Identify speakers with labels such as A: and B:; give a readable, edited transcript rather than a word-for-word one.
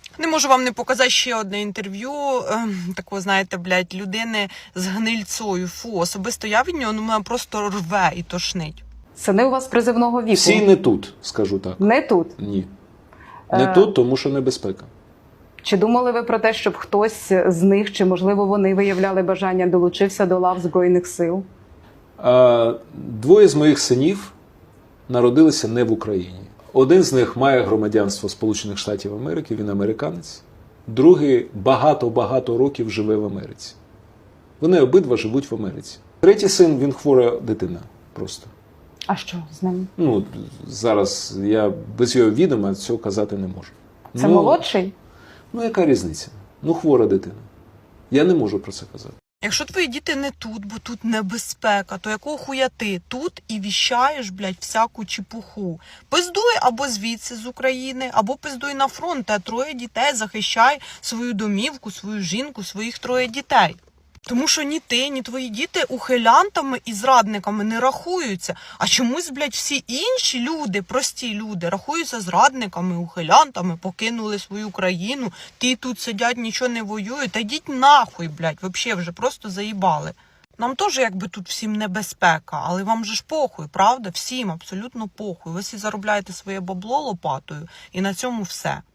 A: Не можу вам не показати ще одне інтерв'ю, такого, знаєте, блядь, людини з гнильцою. Фу, особисто я від нього, мене просто рве і тошнить.
B: Сини у вас призивного віку.
C: Всі не тут, скажу так.
B: Не тут?
C: Ні. Не тут, тому що небезпека.
B: Чи думали ви про те, щоб хтось з них, чи, можливо, вони виявляли бажання, долучився до лав Збройних сил?
C: Двоє з моїх синів народилися не в Україні. Один з них має громадянство Сполучених Штатів Америки, він американець. Другий багато-багато років живе в Америці. Вони обидва живуть в Америці. Третій син, він хвора дитина просто.
B: А що з ним?
C: Ну, зараз я без його відома цього казати не можу.
B: Це молодший?
C: Ну, яка різниця? Ну, хвора дитина. Я не можу про це казати.
A: Якщо твої діти не тут, бо тут небезпека, то якого хуя ти тут і віщаєш, блядь, всяку чепуху? Пиздуй або звідси з України, або пиздуй на фронт, а 3 дітей, захищай свою домівку, свою жінку, своїх 3 дітей. Тому що ні ти, ні твої діти ухилянтами і зрадниками не рахуються. А чомусь, блядь, всі інші люди, прості люди, рахуються зрадниками, ухилянтами, покинули свою країну, ті тут сидять, нічого не воюють. Та йдіть нахуй, блядь, вообще вже просто заїбали. Нам теж якби тут всім небезпека, але вам же ж похуй, правда? Всім абсолютно похуй. Ви всі заробляєте своє бабло лопатою і на цьому все.